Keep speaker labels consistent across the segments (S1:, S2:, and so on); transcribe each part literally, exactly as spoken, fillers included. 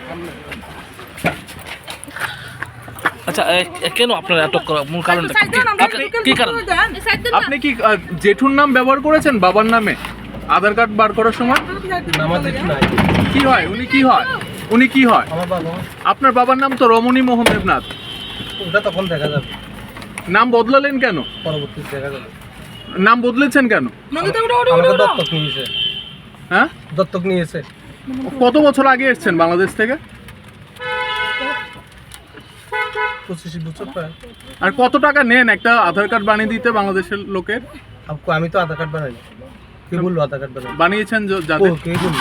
S1: আচ্ছা, কেন আপনারা আটক করা মূল কারণটা কি কারণ?
S2: আপনি কি জেঠুর নাম ব্যবহার করেছেন বাবার নামে আধার কার্ড বার করার সময়? কি হয় উনি কি হয় উনি কি হয় আপনার বাবার নাম তো রমণী মোহন দেবনাথ।
S3: ওটা তখন দেখা যাবে।
S2: নাম বদলালেন কেন?
S3: পরবর্তীতে দেখা যাবে।
S2: নাম বদলেছেন কেন?
S3: আমাকে দত্তক নিয়েছে।
S2: হ্যাঁ,
S3: দত্তক নিয়েছে।
S2: কত বছর আগে এসেছেন বাংলাদেশ থেকে?
S3: পঁচিশ বছর প্রায়।
S2: আর কত টাকা নেন একটা আধার কার্ড বানিয়ে দিতে বাংলাদেশের লোকের?
S3: আমি তো আধার কার্ড বানাইনি। কে বললো আধার কার্ড বানাই?
S2: বানিয়েছেন যাদের?
S3: কে বললো?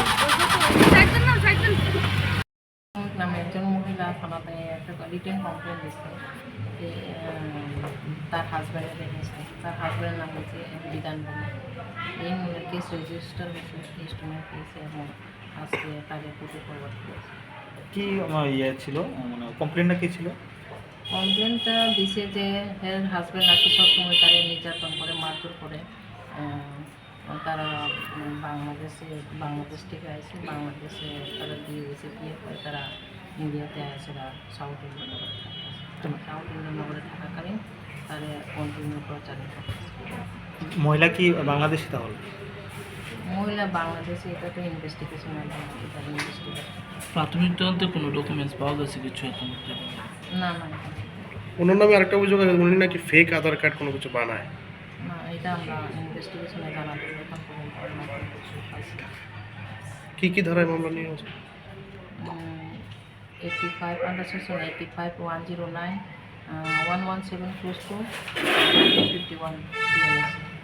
S4: নামে একজন মহিলা থানাতে একটা রিটেন কমপ্লেন দিচ্ছে যে তার হাজব্যান্ডের দেখেছে, তার হাজব্যান্ডের নাম হচ্ছে বিধান বলে। এই কেস রেজিস্টার হয়েছে ইনস্ট্রুমেন্ট পেয়েছে এবং আজকে তাদের কোর্টে ফরওয়ার্ড করেছে।
S5: কি ইয়ে ছিল, মানে কমপ্লেনটা কী ছিল?
S4: কমপ্লেনটা দিছে যে হের হাজব্যান্ড নাকি সবসময় তারা নির্যাতন করে, মারধর করে। তারা বাংলাদেশে বাংলাদেশ থেকে আসে, বাংলাদেশে তারা দিয়ে গেছে, বিয়ে করে তারা ইন্ডিয়াতে আসে, সাউথ ইন্ডিয়ান নগরে থাকে। সাউথ ইন্ডিয়ান নগরে থাকাকালীন তারা কন্টিনিউ প্রচারিত
S5: মহিলা কি বাংলাদেশি তাহলে?
S4: মহিলা বাংলাদেশে, এটা তো ইনভেস্টিগেশন তারা ইনভেস্টিগেশন।
S1: প্রাথমিক তদন্তে কোনো ডকুমেন্টস পাওয়া গেছে কিছু এখন?
S4: না না
S6: ওনার নামে আরেকটা অভিযোগ আছে, উনি নাকি ফেক আধার কার্ড কোনো কিছু বানায়।
S4: না, এটা আমরা ইনভেস্টিগেশনে জানাতে এখন পর্যন্ত
S6: কি কি ধারায় মামলা নিয়ে আছে?
S4: Eighty five under section eighty five one zero nine one one seven close to fifty one DNS.